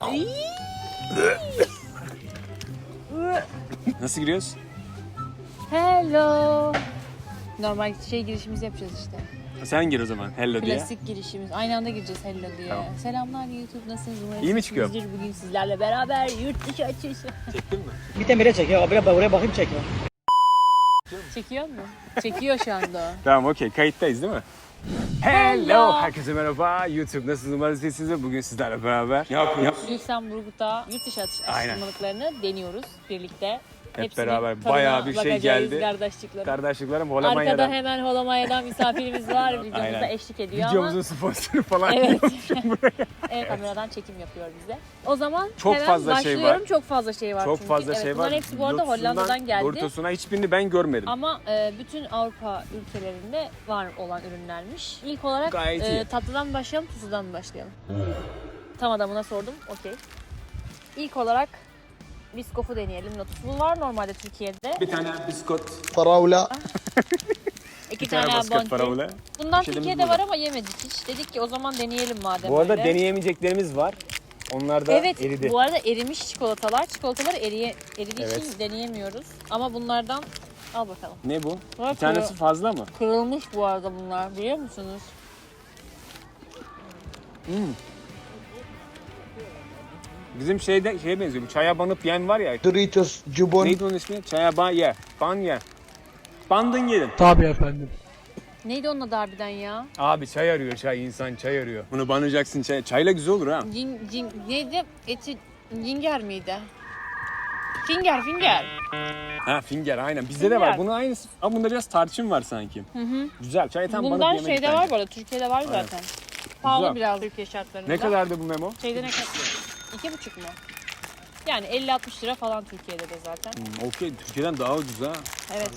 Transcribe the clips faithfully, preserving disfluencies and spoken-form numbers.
Nasıl giriyoruz? Hello. Normal şey girişimizi yapacağız işte. Sen gir o zaman hello diye. Klasik girişimiz. Aynı anda gireceğiz hello diye. Tamam. Selamlar YouTube, nasılsınız? Umarım İyi mi çıkıyor? iyisinizdir. Bugün sizlerle beraber yurt dışı açışı. Çektin mi? Bir de bire çekiyor. Buraya, buraya bakayım çekme. Çekiyor mu? Çekiyor şu anda. Tamam okey, kayıttayız değil mi? Hello! Herkese merhaba. YouTube nasılsınız? Umarım iyisiniz. Bugün sizlerle beraber ne yapıyoruz? Lüksemburg'da yurt dışı atış- Aynen. atıştırmalıklarını deniyoruz birlikte. Hep Hepsinin beraber tadına bayağı bir şey bakacağız, geldi. Kardeşliklerim. Kardeşliklerim Arkada Holomanya'dan. hemen Holomanya'dan misafirimiz var. Videomuza Aynen. eşlik ediyor Videomuzun ama. sponsoru falan Evet. yokmuşum buraya. Evet, kameradan çekim yapıyor bize. O zaman Çok hemen fazla şey başlıyorum. var. Çok fazla şey var Çok çünkü. fazla Evet, şey var. bunların hepsi bu arada Lotus'undan Hollanda'dan geldi. Doritos'una hiçbirini ben görmedim. Ama e, bütün Avrupa ülkelerinde var olan ürünlermiş. İlk olarak Gayet e, iyi. tatlıdan mı başlayalım, tuzludan mı başlayalım? Tam adamına sordum. Okey. İlk olarak biskofu deneyelim. Lotus. Bu var normalde Türkiye'de. Bir tane biskot, فراولة İki bir tane tane biskot bounty. parabola. Bundan Bir şeyimiz Türkiye'de burada. var ama yemedik hiç. Dedik ki o zaman deneyelim madem Bu arada öyle. deneyemeyeceklerimiz var. Onlar da Evet, eridi. bu arada erimiş çikolatalar. Çikolatalar eriye, eridiği Evet. için deneyemiyoruz. Ama bunlardan al bakalım. Ne bu? Bak Bir tanesi ya. fazla mı? Kırılmış bu arada bunlar, biliyor musunuz? Hmm. Bizim şeyde şeye benziyor. Bu çaya banıp yiyen var ya. دوريتوس جبن Neydi onun ismi? Çaya ban ye. Ban ye. Bandın yedin. Tabii efendim. Neydi onun adı harbiden ya? Abi çay arıyor çay. İnsan çay arıyor. Bunu banacaksın çay. Çayla güzel olur ha. Cin, cin, neydi? Eti, cinger miydi? Finger, finger. Ha finger aynen. Bizde de var. Finger. Bunun aynısı. Ama bunda biraz tarçın var sanki. Hı hı. Güzel. Çayı tam banıp Bundan yemek şeyde bence. var bu arada, Türkiye'de var Aynen. zaten. Pahalı Güzel. biraz Türkiye şartlarında. Ne kadardı bu memo? Şeyde ne kadar? İki buçuk mu? Yani elli altmış lira falan Türkiye'de de zaten. Hmm, Okey. Türkiye'den daha ucuz ha. Evet.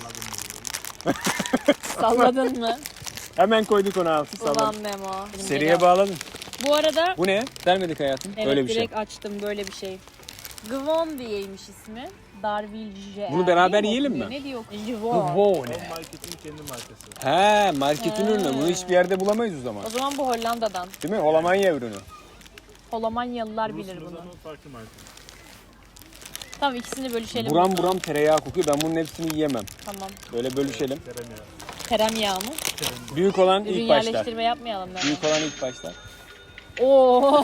Salladın mı? Hemen koyduk onu altı. Ulan Salon. Memo. Benim Seriye geri- bağladın. Bu arada Bu ne? Vermedik hayatım. evet, Öyle bir şey. direkt açtım böyle bir şey. Gvon diyeymiş ismi. Darvilje. Bunu beraber Değil yiyelim okunuyor? mi? Ne diyor? Gvon. Bu ne? Marketin kendi markası. He, marketin He. ürünü. Bunu hiçbir yerde bulamayız o zaman. O zaman bu Hollanda'dan. Değil mi? Holomanya ürünü. Holomanyalılar bilir bunu. Lozan'ın farklı markası. Tamam, ikisini bölüşelim. Buram buram tereyağı kokuyor. Ben bunun hepsini yiyemem. Tamam. Böyle bölüşelim. Tereyağı. Tereyağı mı? Büyük olan Ürün ilk başlar. yerleştirme yapmayalım ben. Büyük olan ilk başlar. Oo.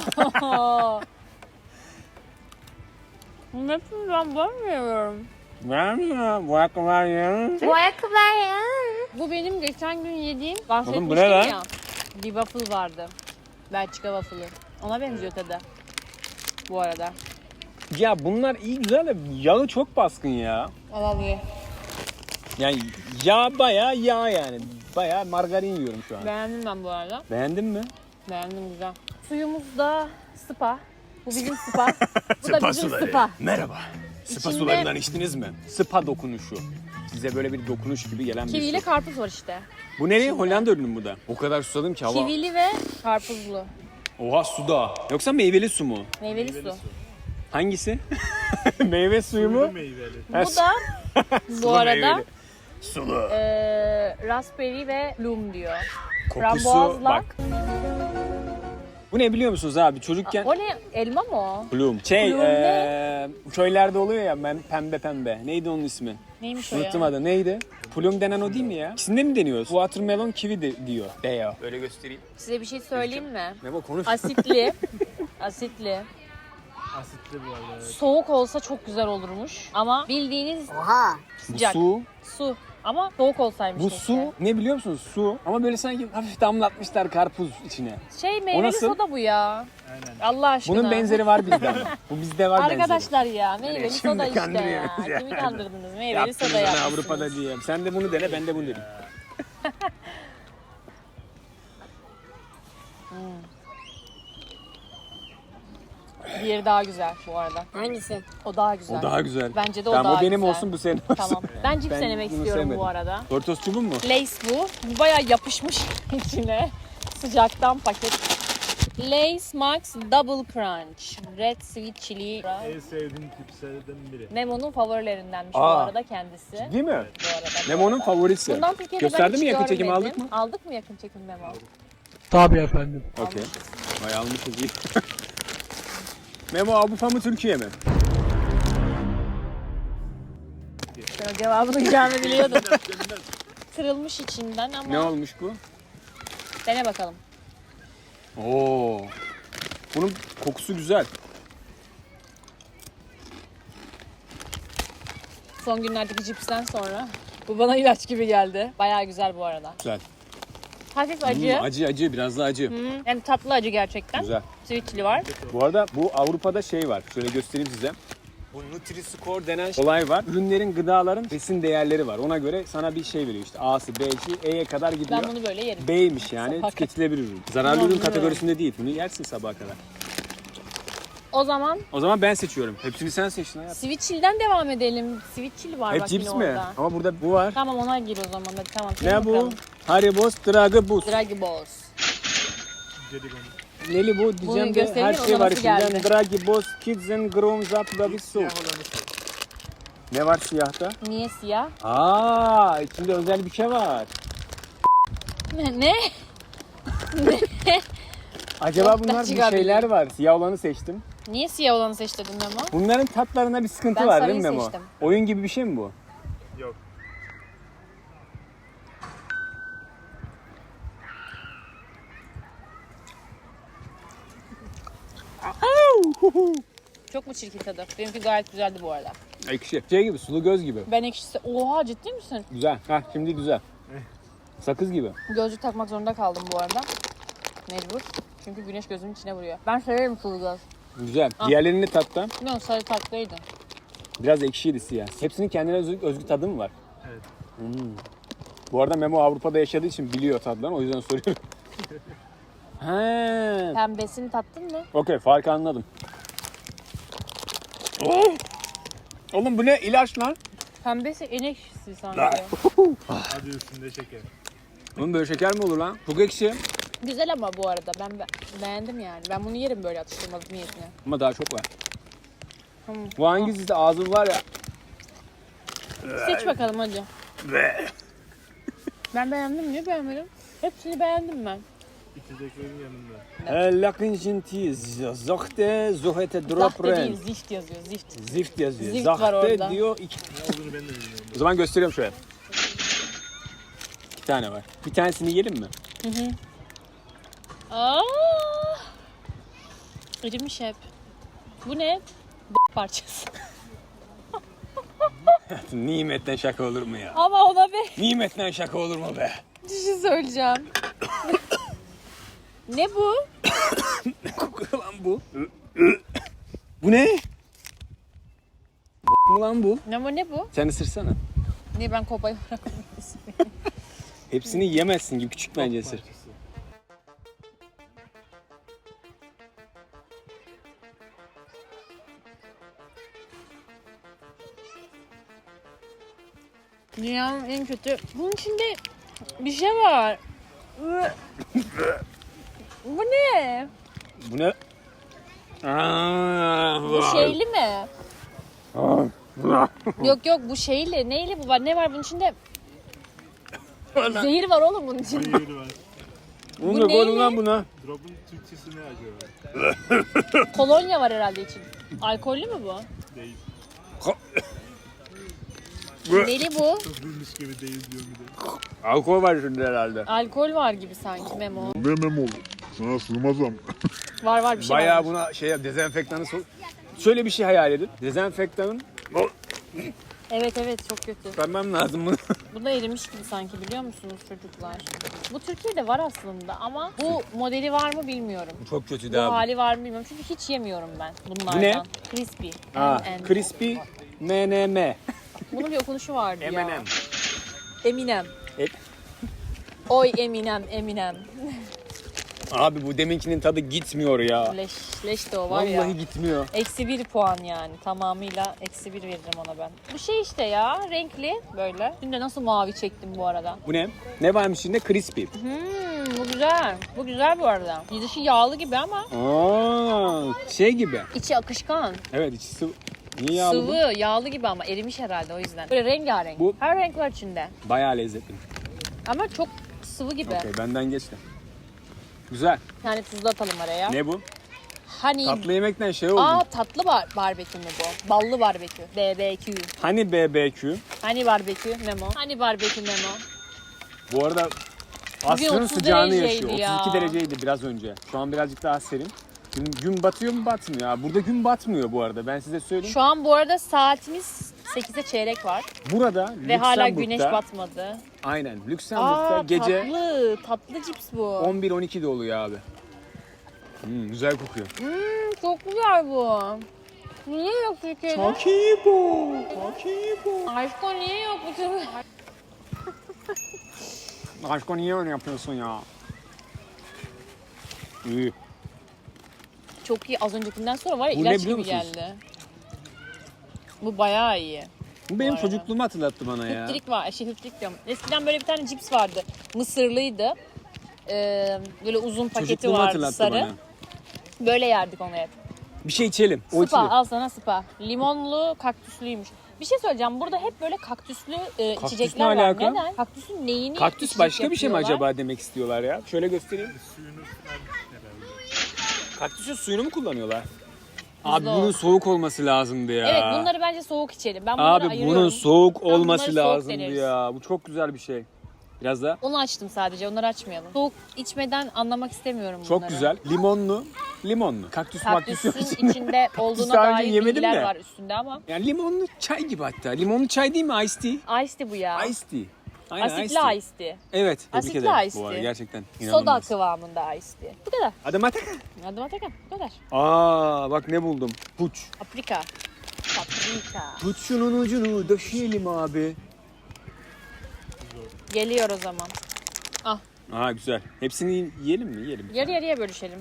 Hepsini ben bakmıyorum. Vermiyor. Bu ayakkabılar ya. Bu ayakkabılar ya. Bu benim geçen gün yediğim, bahsetmiştim bu ne lan? ya. Bir waffle vardı. Belçika waffle'ı. Ona benziyor tadı. Bu arada. Ya bunlar iyi güzel de yağı çok baskın ya. Al al ye. Yani yağ bayağı yağ yani. Bayağı margarin yiyorum şu an. Beğendim ben bu arada. Beğendin mi? Beğendim, güzel. Suyumuz da spa. Bu bizim spa. Bu da bizim spa. Merhaba. Spa İçinde- sularından içtiniz mi? Spa dokunuşu. Size böyle bir dokunuş gibi gelen bir Kiviyle su. karpuz var işte. Bu nereye? Hollanda ürünü mü bu da? O kadar susadım ki hava. Kivili ve karpuzlu. Oha su da. Yoksa meyveli su mu? Meyveli su. Hangisi? Meyve suyu mu? Sulu meyveli. Ha, Bu da bu sulu arada meyveli. Sulu. eee raspberry ve plum diyor. Kokusu frambuazla- bak. Bu ne biliyor musunuz abi? Çocukken O ne? Elma mı o? Plum. Şey, Plum ne? eee, köylerde oluyor ya ben pembe pembe. Neydi onun ismi? Neymiş o ya? Unuttum adı. Neydi? Plum denen o değil mi ya? İkisinde mi deniyoruz? Watermelon kiwi de, diyor. Diyor. Öyle göstereyim. Size bir şey söyleyeyim mi? Ne bu konuş. Asitli. Asitli. Asitli bu arada. Evet. Soğuk olsa çok güzel olurmuş. Ama bildiğiniz Bu sıcak. su. Su. Ama soğuk olsaymış Bu keşke. su ne biliyor musunuz? Su. Ama böyle sanki hafif damlatmışlar karpuz içine. Şey, meyveli nasıl? soda bu ya. Aynen. Allah aşkına. Bunun benzeri var bizde ama. Bu bizde var benzeri. Arkadaşlar ya, meyveli Şimdi soda işte ya. kandırıyorsunuz ya. Kimi kandırdınız? Meyveli Yaptınız soda bana yapmışsınız. Avrupa'da diye. Sen de bunu dene ben de bunu dedim. Diğeri daha güzel bu arada. Hangisi? O daha güzel. O daha güzel. Bence de o tamam, daha o benim güzel. olsun bu senin olsun. Tamam. Ben cips Ben denemek bunu istiyorum sevmedim. bu arada. Doritos çubuğu mu? Lace bu. Bu bayağı yapışmış içine. Sıcaktan paket. Lace Max Double Crunch. Red Sweet Chili. En sevdiğim tipslerden biri. Memo'nun favorilerindenmiş bu Aa. arada kendisi. Değil mi? Bu arada. Lemon'un favorisi. Bundan Türkiye'de ben Gösterdi hiç mi yakın çekim görmedim. aldık mı? Aldık mı yakın çekim Memo? Tabii efendim. Okey. Vay almışız iyi. Memo Avrupa mı Türkiye mi? Ben o cevabını gelme biliyordum. Kırılmış içinden ama Ne olmuş bu? dene bakalım. Oo. Bunun kokusu güzel. Son günlerdeki cipsten sonra bu bana ilaç gibi geldi. Bayağı güzel bu arada. Güzel. Hafif acı. Hmm, acı acı biraz da acı. Hı, yani tatlı acı gerçekten. Güzel. Sweet chili var. Bu arada bu Avrupa'da şey var. Şöyle göstereyim size. Bu Nutri-Score denen olay var. Ürünlerin, gıdaların besin değerleri var. Ona göre sana bir şey veriyor işte. A'sı, B'si, E'ye kadar gidiyor. Ben bunu böyle yerim. B'ymiş yani Sabaha tüketilebilir ürün. Zararlı ürün Anlıyorum. kategorisinde değil. Bunu yersin sabaha kadar. O zaman O zaman ben seçiyorum. Hepsini sen seçtin hayatım. sweet chili'den devam edelim. Sweet chili var Hep bak cips yine mi? orada. Ama burada bu var. Tamam ona gir o zaman. Hadi tamam. Ne bu? Haribos Dragibus. Draghi Balls. Jelibon. Neli bu? Diyeceğim de göstereyim, her o şey da var nasıl içinden. geldi? Dragibos Kids and Grown Up Baby Soup. Siyah olanı seç. Ne var siyahta? Niye siyah? Aa, içinde özel bir şey var. Ne? Ne? Acaba Çok bunlar da bir şeyler var. Siyah olanı seçtim. Niye siyah olanı seçtin Memo? Bunların tatlarına bir sıkıntı Ben var değil mi sarıyı Memo? seçtim. Oyun gibi bir şey mi bu? Yok. Çok mu çirkin tadı? Benimki gayet güzeldi bu arada. Ekşi. Şey gibi, sulu göz gibi. Ben ekşisi... Oha ciddi misin? Güzel. Hah şimdi güzel. Sakız gibi. Gözlük takmak zorunda kaldım bu arada. Mecbur. Çünkü güneş gözümün içine vuruyor. Ben severim sulu göz. Güzel. Ah. Diğerlerini tatta. Bilmiyorum sarı tatlıydı. Biraz ekşiydi siyah. Hepsinin kendine özgü, özgü tadı mı var? Evet. Hmm. Bu arada Memo Avrupa'da yaşadığı için biliyor tadlarını. O yüzden soruyorum. He. Pembesini tattın mı? Okey, farkı anladım. Oh! Oğlum bu ne? İlaç lan. Pembesi en ekşisi sanki. Hadi üstünde şeker. Oğlum böyle şeker mi olur lan? Çok ekşi. Güzel ama bu arada ben be- beğendim yani. Ben bunu yerim böyle atıştırmalık niyetine. Ama daha çok var. Hmm. Bu hangisi de ağzın var ya. Seç bakalım hadi. Ben beğendim. Niye beğenmedim? Hepsini beğendim ben. İçeceklerin yanında. Lakin jinti zohte zohete Zahte drop değil, ren. zift yazıyor, zift. Zift yazıyor. Zift var Zahte orada. diyor. iki. Ne olduğunu ben de bilmiyorum. O zaman gösteriyorum şöyle. İki tane var. Bir tanesini yiyelim mi? Hı hı. Aa! Erimiş hep. Bu ne? B- parçası. Nimetten şaka olur mu ya? Ama ona be. Nimetten şaka olur mu be? Bir şey söyleyeceğim. Ne bu? Ne kokuyor lan bu? Bu ne? mu lan bu? Ne bu ne bu? Sen ısırsana. Niye ben kopayı bırakmam? Hepsini yemezsin gibi küçük bence ısır. Parçası. Dünyanın en kötü. Bunun içinde bir şey var. Bu ne? Bu ne? Aa, Bu şeyli mi? Yok yok bu şeyli. Neyli bu var? Ne var bunun içinde? Zehir var oğlum bunun içinde. Hayır var. Bunu Bu da koy neyle? lan buna. Drop'un Türkçesi ne acaba? Kolonya var herhalde için. Alkollü mü bu? Değil. Neli bu? Çok bilmiş gibi değil diyor bir de. Alkol var şimdi herhalde. Alkol var gibi sanki Memo. Ne mem oldu? Sana sığmaz ama. Var var bir şey Bayağı var. buna şey yap, dezenfektanı sok. Şöyle bir şey hayal edin. Dezenfektanın Evet evet çok kötü. vermem lazım bunu. Bu da erimiş gibi sanki biliyor musunuz çocuklar? Bu Türkiye'de var aslında ama bu modeli var mı bilmiyorum. Çok kötü Bu de abi. hali var mı bilmiyorum çünkü hiç yemiyorum ben bunlardan. Bu ne? Crispy. Aa, M and M. crispy M N M. Bunun bir okunuşu vardı ya. M and M. Eminem. E- Oy Eminem, Eminem. Abi bu deminkinin tadı gitmiyor ya. Leş, leş de o var Vallahi ya. gitmiyor. Eksi bir puan yani. Tamamıyla eksi bir veririm ona ben. Bu şey işte ya renkli böyle. Dün de nasıl mavi çektim bu arada. Bu ne? Ne varmış içinde? Crispy. Hmm, bu güzel. Bu güzel bu arada. Dışı yağlı gibi ama Aa, şey gibi. içi akışkan. Evet içi sıvı. Niye yağlı bu? Sıvı, yağlı gibi ama erimiş herhalde o yüzden. Böyle rengarenk. Bu- Her renk var içinde. Bayağı lezzetli. Ama çok sıvı gibi. Okey benden geçti. Güzel. Yani tuzlu atalım araya. Ne bu? Honey. Tatlı yemekten şey oldu. Aa tatlı bar barbekü mü bu? Ballı barbekü. B B Q. Hani B B Q. Hani barbekü Memo? Hani barbekü Memo? Bu arada Bugün Aslı'nın otuz sıcağını dereceydi yaşıyor. ya. otuz iki dereceydi biraz önce. Şu an birazcık daha serin. Gün, gün batıyor mu batmıyor? Ya burada gün batmıyor bu arada. Ben size söyleyeyim. Şu an bu arada saatimiz sekize çeyrek var. Burada Ve hala Lüksemburg'da- güneş batmadı. Aynen. Lüksemburg'da Aa gece tatlı. Tatlı cips bu. on bir on ikide oluyor abi. Hmm, güzel kokuyor. Hmm, çok güzel bu. Niye yok Türkiye'de? Çok iyi bu. Çok iyi bu. Aşko niye yok bu Türkiye'de? Aşkım niye öyle yapıyorsun ya? İyi. Çok iyi. Az öncekinden sonra var ya Bu ne ilaç biliyor gibi musunuz? geldi. Bu bayağı iyi. Bu benim Bu arada. çocukluğumu hatırlattı bana ya. Hüptrik var. Şey hüptrik diyorum. Eskiden böyle bir tane cips vardı. Mısırlıydı. Ee, böyle uzun paketi Çocukluğumu vardı hatırlattı sarı. bana. Böyle yerdik onu hep. Bir şey içelim. O Spa içilir. al sana spa. Limonlu kaktüslüymüş. Bir şey söyleyeceğim. Burada hep böyle kaktüslü e, Kaktüs içecekler ne var. alaka? Neden? Kaktüsün neyini Kaktüs içecek başka bir şey mi yapıyorlar? acaba demek istiyorlar ya? Şöyle göstereyim. Suyunu falan herhalde. Kaktüsün suyunu mu kullanıyorlar? Abi o. bunun soğuk olması lazımdı ya. Evet bunları bence soğuk içelim. Ben bunları Abi ayırıyorum. bunun soğuk bunları olması soğuk lazımdı deneriz. ya. Bu çok güzel bir şey. Biraz da Onu açtım sadece. Onları açmayalım. Soğuk içmeden anlamak istemiyorum çok bunları. güzel. Limonlu. Limonlu. Kaktüs maktüs yok. Kaktüsün içinde olduğuna daha önce dair yemedim bilgiler de. var üstünde ama. Yani limonlu çay gibi hatta. Limonlu çay değil mi? Ice tea. Ice tea bu ya. Ice tea. Aynen, Asitli ice tea. ice tea. Evet. Tebrik Asitli ederim. ice Bu arada tea. gerçekten Soda inanılmaz. kıvamında ice tea. Bu kadar. Hadi Mataka. Hadi bakalım. Bu kadar. Aa bak ne buldum. Puç. Paprika. Paprika. Tut şunun ucunu döşeyelim abi. Geliyor o zaman. Aa güzel. Hepsini yiyelim mi? Yiyelim. Yarı yarıya bölüşelim.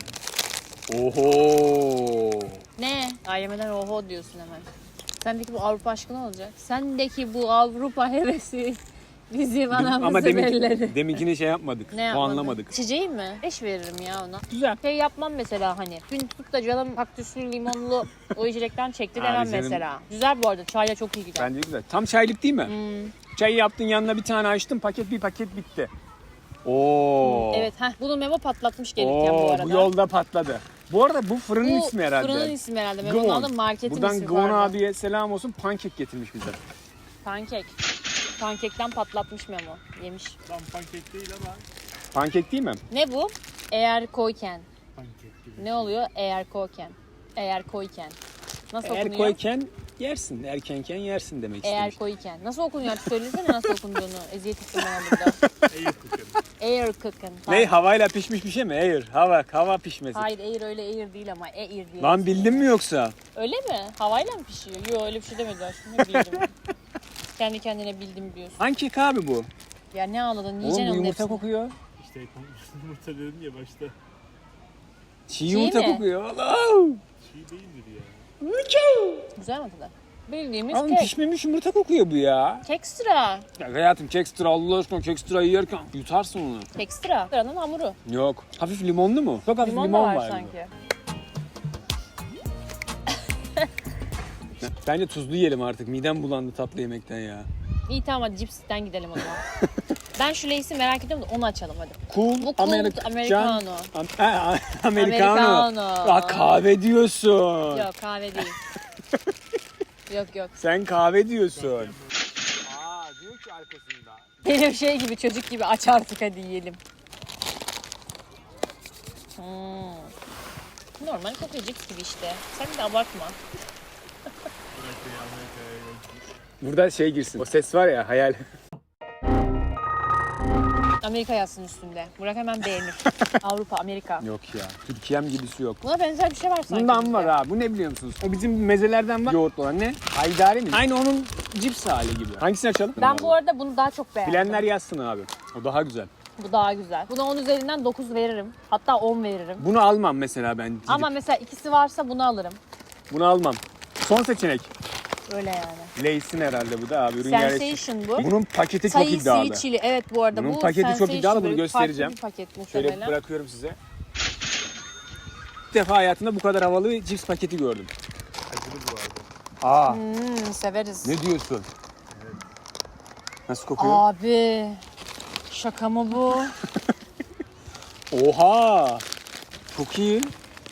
Oho. Ne? Daha yemeden oho diyorsun hemen. Sendeki bu Avrupa aşkı ne olacak? Sendeki bu Avrupa hevesi bizim anamızın Ama demin, elleri. deminkini şey yapmadık. Ne yapmadın? Puanlamadık. İçeceği mi? Beş veririm ya ona. Güzel. Şey yapmam mesela hani. Gün tutup da canım kaktüslü limonlu o içecekten çekti Abi demem canım. mesela. Güzel bu arada. Çayla çok iyi gider. Bence güzel. Tam çaylık değil mi? Hmm. Çayı yaptın yanına bir tane açtın paket bir paket bitti. Oo. Evet. Heh, bunu Memo patlatmış gelirken bu Oo, arada. bu yolda patladı. Bu arada bu fırının Bu ismi herhalde. fırının ismi herhalde. Memo'nun Gıvon. adı marketin Buradan ismi Gıvon pardon. abiye selam olsun. Pankek getirmiş bize. Pankek. Pankekten patlatmış Memo. Yemiş. Tam pankek değil ama Pankek değil mi? Ne bu? Eğer koyken. pankek gibi. Ne oluyor? Eğer koyken. Eğer koyken. Nasıl Eğer okunuyor? koyken yersin. Erkenken yersin demek Eğer istemiş. koyken. Nasıl okunuyor? Söylesene nasıl okunduğunu. Eziyet ettim bana burada. İyi kokarım. Air cooking. Ne havayla pişmiş bir şey mi? Air. Hava. Hava pişmesi. Hayır air öyle air değil ama air diye. Lan bildin mi yoksa? Öyle mi? Havayla mı pişiyor? Yok öyle bir şey demedi aşkım. Ne bildim. Kendi kendine bildim diyorsun. Pankek abi bu. Ya ne ağladın? Oğlum Yiyeceksin bu onun yumurta hepsini. kokuyor. İşte yumurta dedim ya başta. Çiğ yumurta mi? kokuyor. Allah'ım. Çiğ değildir ya. Güzel mi tadı? Bildiğimiz Abi kek. pişmemiş yumurta kokuyor bu ya. Kekstra. Ya hayatım kekstra Allah aşkına kekstra yerken yutarsın onu. Kekstra. Kekstra'nın hamuru. Yok. Hafif limonlu mu? Çok hafif Limon, limon, da var, var. sanki. Bence tuzlu yiyelim artık. Midem bulandı tatlı yemekten ya. İyi tamam hadi cipsten gidelim o zaman. Ben şu Lay's'i merak ediyorum da onu açalım hadi. Cool, Bu cool Amerik- Americano. Am- Ha, Americano. Americano. Aa, kahve diyorsun. Yok kahve değil. yok yok. Sen kahve diyorsun. Aa diyor ki arkasında. Benim şey gibi çocuk gibi aç artık hadi yiyelim. Hmm. Normal kokuyor cips gibi işte. Sen de abartma. Bırakmayı Amerika'ya yolculuk. Burada şey girsin. O ses var ya hayal. Amerika yazsın üstünde. Burak hemen beğenir. Avrupa, Amerika. Yok ya. Türkiye'm gibisi yok. Buna benzer bir şey var sanki. Bundan bizde. var ha. Bu ne biliyor musunuz? O bizim mezelerden var. Yoğurtlu olan ne? Haydari mi? Aynı onun cips hali gibi. Hangisini açalım? Ben bu arada bunu daha çok beğendim. Bilenler yazsın abi. O daha güzel. Bu daha güzel. Buna on üzerinden dokuz veririm. Hatta on veririm. Bunu almam mesela ben. Gidip. Ama mesela ikisi varsa bunu alırım. Bunu almam. Son seçenek. Öyle yani. Lay's'in herhalde bu da abi. Ürün yerleştir. Sensation bu. Bunun paketi çok Sayı iddialı. sweet chili. Evet bu arada Bunun bu paketi çok Sensation iddialı, bunu böyle göstereceğim. farklı bir paket Şöyle muhtemelen. bırakıyorum size. İlk defa hayatımda bu kadar havalı bir cips paketi gördüm. Acılı bu arada. Aa, Hmm, severiz. ne diyorsun? Nasıl kokuyor? Abi şaka mı bu? Oha! Çok iyi.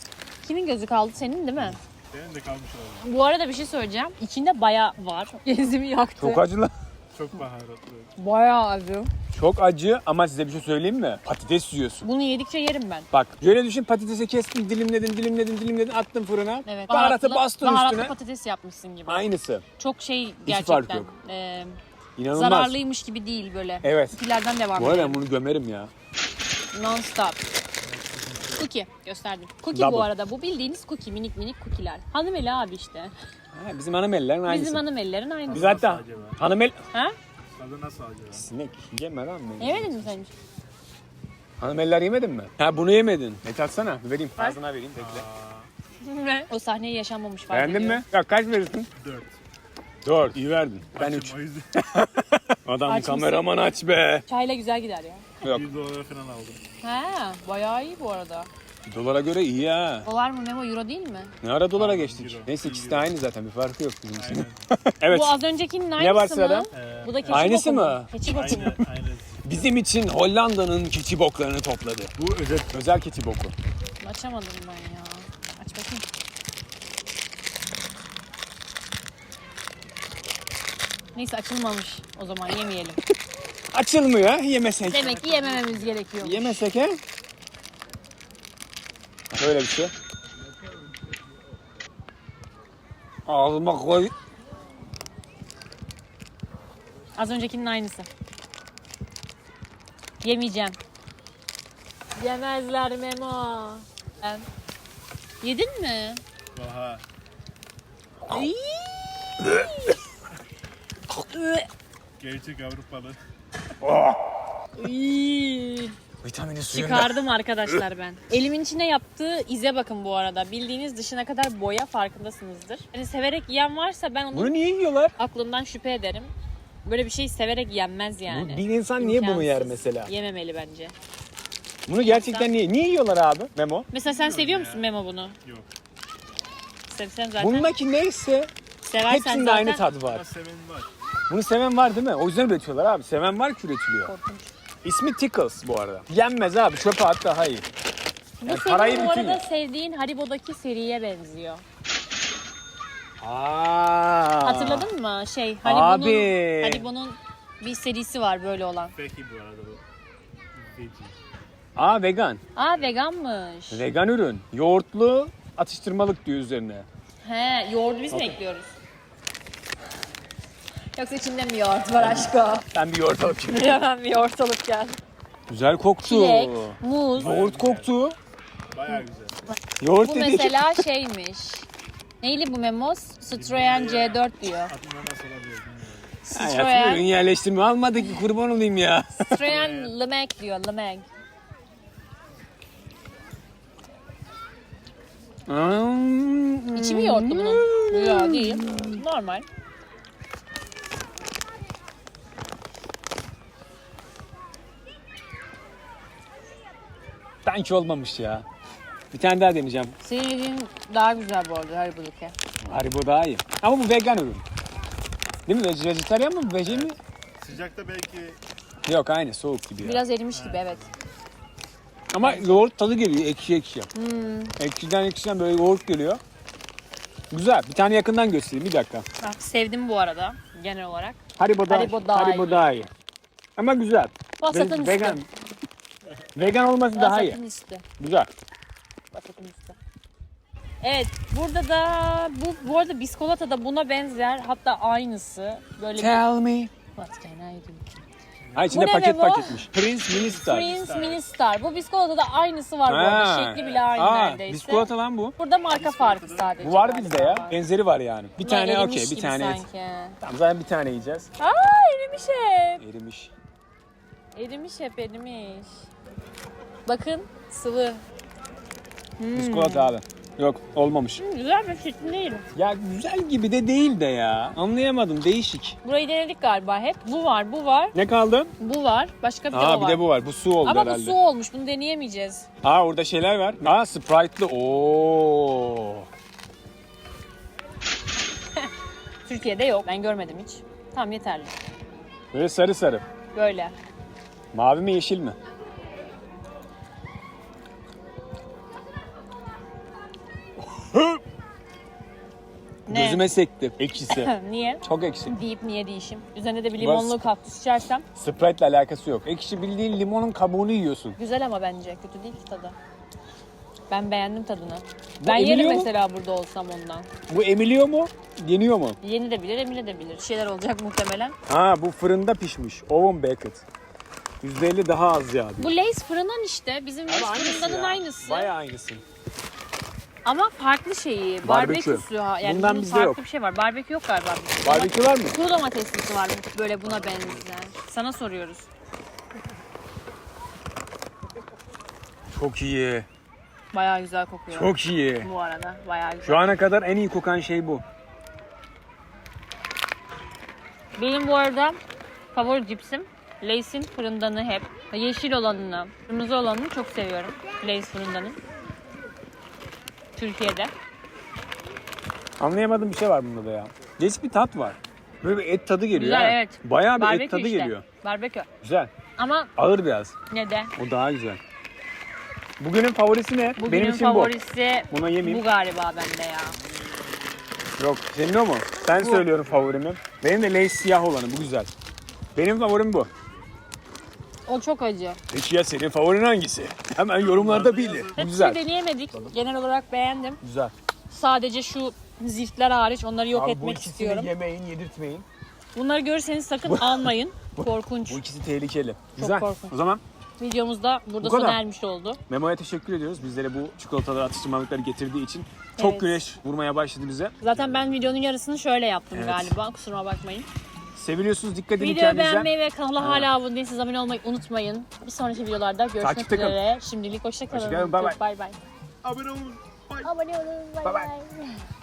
Kimin gözü kaldı? Senin değil mi? Benim de kalmış oldu. Bu arada bir şey söyleyeceğim. İçinde bayağı var. Genzimi yaktı. Çok acı lan. Çok baharatlı. Bayağı acı. Çok acı ama size bir şey söyleyeyim mi? Patates yiyorsun. Bunu yedikçe yerim ben. Bak şöyle düşün, patatesi kestin, dilimledin, dilimledin, dilimledin, attın fırına. Evet. Baharatı Baharatlı- bastın baharatlı üstüne. patates yapmışsın gibi. Aynısı. Çok şey fark gerçekten. yok. E, İnanılmaz. zararlıymış gibi değil böyle. Evet. Cookie'lerden devam Bu arada edelim. ben bunu gömerim ya. Non stop. Cookie gösterdim. Cookie Double. bu arada. Bu bildiğiniz cookie. Minik minik cookie'ler. Hanımeli abi işte. Ha, bizim hanımelilerin aynısı. Bizim hanımelilerin aynısı. Biz hatta Nasıl acaba? hanımel... Ha? Tadı nasıl acaba? Sinek yeme lan beni. Yemedin mi sen hiç? Hanımeller yemedin mi? Ha bunu yemedin. Et atsana. Bir vereyim. Ağzına vereyim. Bekle. O sahneyi yaşanmamış fark Beğendin ediyorum. mi? Ya kaç verirsin? Dört. Dört. İyi verdin. Ben Açım, üç. O yüzden Adam Aç mısın? kameraman aç be. Çayla güzel gider ya. Yok. bir dolara falan aldım. Ha, bayağı iyi bu arada. Dolara göre iyi ha. Dolar mı Memo, euro değil mi? Ne ara dolara geçtik? Euro. Neyse ikisi de aynı zaten. Bir farkı yok bizim için. Aynen. Evet. Bu az öncekinin aynısı Ne var mı? sırada? Ee, Bu da keçi Aynısı boku mu? mı? Keçi boku mu? Aynı, aynı. Bizim için Hollanda'nın keçi boklarını topladı. Bu özel. Özel keçi boku. Açamadım ben ya. Aç bakayım. Neyse açılmamış. O zaman yemeyelim. Açılmıyor ha, yemesek. Demek ki yemememiz gerekiyor. Yemesek he? Böyle bir şey. Ağzıma koy. Az öncekinin aynısı. Yemeyeceğim. Yemezler Memo. Ben... Yedin mi? Oha. Gerçek Avrupalı. İyi. Vitamini suyunda. Çıkardım arkadaşlar ben. Elimin içine yaptığı ize bakın bu arada. Bildiğiniz dışına kadar boya, farkındasınızdır. Hani severek yiyen varsa ben onun Bunu niye yiyorlar? aklından şüphe ederim. Böyle bir şey severek yenmez yani. Bir insan niye bunu yer İmkansız. mesela? Yememeli bence. Bunu gerçekten niye? Niye yiyorlar abi Memo? Mesela sen seviyor musun Memo bunu? Yok. Sevsen zaten. Bundaki neyse Seversen hepsinde zaten. aynı tadı var. Ama seven var. Bunu seven var değil mi? O yüzden üretiyorlar abi. Seven var ki üretiliyor. Korkunç. İsmi Tickles bu arada. Yenmez abi. Çöpe at daha iyi. Bu Yani senin parayı bu bütün arada ye. sevdiğin Haribo'daki seriye benziyor. Aa. Hatırladın mı? Şey Haribo'nun, Abi. Haribo'nun bir serisi var böyle olan. Peki bu arada bu. Veggie. Aa vegan. Aa veganmış. Vegan ürün. Yoğurtlu atıştırmalık diyor üzerine. He, yoğurdu biz mi ekliyoruz? Yoksa içinde mi yoğurt var aşko? Ben bir yoğurt alıp geleyim. Hemen bir yoğurt alıp gel. Güzel koktu. Çilek, muz. Yoğurt koktu. Bayağı güzel. Yoğurt Bu dedik. mesela şeymiş. Neyli bu Memos? Citroen C dört diyor. Aklımda nasıl olabilir bilmiyorum. Hayatım ürün yerleştirme almadık ki kurban olayım ya. Citroen Lemag diyor, Lemag. Hmm. İçi mi yoğurtlu bunun? Yok değil. Normal. Sanki olmamış ya. Bir tane daha deneyeceğim. Senin yediğin daha güzel bu arada Haribo'daki. Haribo daha iyi. Ama bu vegan ürün. Değil mi? Vej- Vejetaryen mi? Vege mi? Sıcakta belki Yok aynı soğuk gibi ya. Biraz erimiş gibi evet. Ama yoğurt tadı geliyor ekşi ekşi. Hmm. Ekşiden ekşiden böyle yoğurt geliyor. Güzel. Bir tane yakından göstereyim bir dakika. Bak, sevdim bu arada genel olarak. Haribo daha, Haribo daha Haribo iyi. daha iyi. Ama güzel. Vasatın Ve- üstü. vegan. Vegan olması daha iyi. Vasatın üstü. Güzel. Vasatın üstü. Evet, burada da bu bu arada biskolata da buna benzer, hatta aynısı. Böyle bir Tell me. What can I do? Ha içinde Bu ne paket be bu? paketmiş. Prince Mini Star. Prince Mini Star. Bu biskolata da aynısı var bu arada. Ha. Şekli bile aynı Aa, neredeyse. biskolata lan bu. Burada marka farkı sadece. Bu var galiba. bizde ya. Benzeri var yani. Bir Bunlar tane erimiş okey, bir gibi tane et. sanki. Tamam zaten bir tane yiyeceğiz. Aa, erimiş hep. Erimiş. Erimiş hep erimiş. Bakın sıvı. Hmm. Biskolata abi. Yok olmamış. Hmm, güzel bir şekli değil. Ya güzel gibi de değil de ya. Anlayamadım değişik. Burayı denedik galiba hep. Bu var, bu var, Ne kaldı? bu var. Başka bir de Aa o bir var. de bu var. Bu su oldu Ama herhalde. bu su olmuş. Bunu deneyemeyeceğiz. Aa orada şeyler var. Aa Sprite'lı. Oo. Türkiye'de yok. Ben görmedim hiç. Tamam yeterli. Böyle sarı sarı. Böyle. Mavi mi yeşil mi? Ne? Gözüme sekti. Ekşisi. Niye? Çok ekşi. Deyip niye değişim? Üzerine de bir limonlu kaktüs içersem. Sprite'le alakası yok. Ekşi bildiğin limonun kabuğunu yiyorsun. Güzel ama bence. Kötü değil ki tadı. Ben beğendim tadını. Bu ben yerim emiliyor mu? mesela burada olsam ondan. Bu emiliyor mu? Yeniyor mu? Yeni de bilir, emine de bilir. Bir şeyler olacak muhtemelen. Ha bu fırında pişmiş. Oven baked. yüzde elli daha az yağ. Bu Lay's fırından işte. Bizim Lay's fırındanın aynısı. Bayağı aynısı. Ama farklı şeyi. Barbekü. Barbeküsü. ha. Yani Bundan bunun bizde farklı yok. bir şey var. Barbekü yok galiba. bizde. Barbekü var mı? Kuru domateslisi var böyle buna benzer. Sana soruyoruz. Çok iyi. Bayağı güzel kokuyor. Çok iyi. Bu arada bayağı güzel. Şu ana kadar en iyi kokan şey bu. Benim bu arada favori cipsim Lay's'in fırındanı hep. Yeşil olanını, kırmızı olanını çok seviyorum. Lay's fırındanın. Türkiye'de. Anlayamadığım bir şey var bunda da ya. Değişik bir tat var. Böyle bir et tadı geliyor. Güzel, ha. evet. Bayağı bir Barbekü et tadı işte. geliyor. Barbekü. Güzel. Ama Ağır biraz. ne de? O daha güzel. Bugünün favorisi ne? Bugünün Benim için favorisi bu. Buna yemeyeyim. bu galiba bende ya. Yok. Senin o mu? Ben Bu. söylüyorum favorimi. Benim de Lay's siyah olanı. Bu güzel. Benim favorim bu. O çok acı. Peki ya senin favorin hangisi? Hemen yorumlarda bildir. Bu Hepsini güzel. deneyemedik. Genel olarak beğendim. Güzel. Sadece şu ziftler hariç onları yok Abi bu etmek ikisini istiyorum. yemeyin, yedirtmeyin. Bunları görürseniz sakın almayın. Korkunç. Bu ikisi tehlikeli. Güzel. korkunç. O zaman Videomuz da burada Bu kadar. sona ermiş oldu. Memo'ya teşekkür ediyoruz. Bizlere bu çikolataları, atıştırmalıkları getirdiği için. Çok Evet. güneş vurmaya başladı bize. Zaten ben videonun yarısını şöyle yaptım Evet. galiba. Kusuruma bakmayın. Seviliyorsunuz. Dikkat edin Videoyu kendinize. beğenmeyi ve kanala hala abone değilseniz abone olmayı unutmayın. Bir sonraki videolarda görüşmek Takipte kalın. üzere. Şimdilik hoşça kalın. Hoşça kalın, bay bay. Bay bay. abone olun. Bye. Abone olun. Bay Bay bay. bay.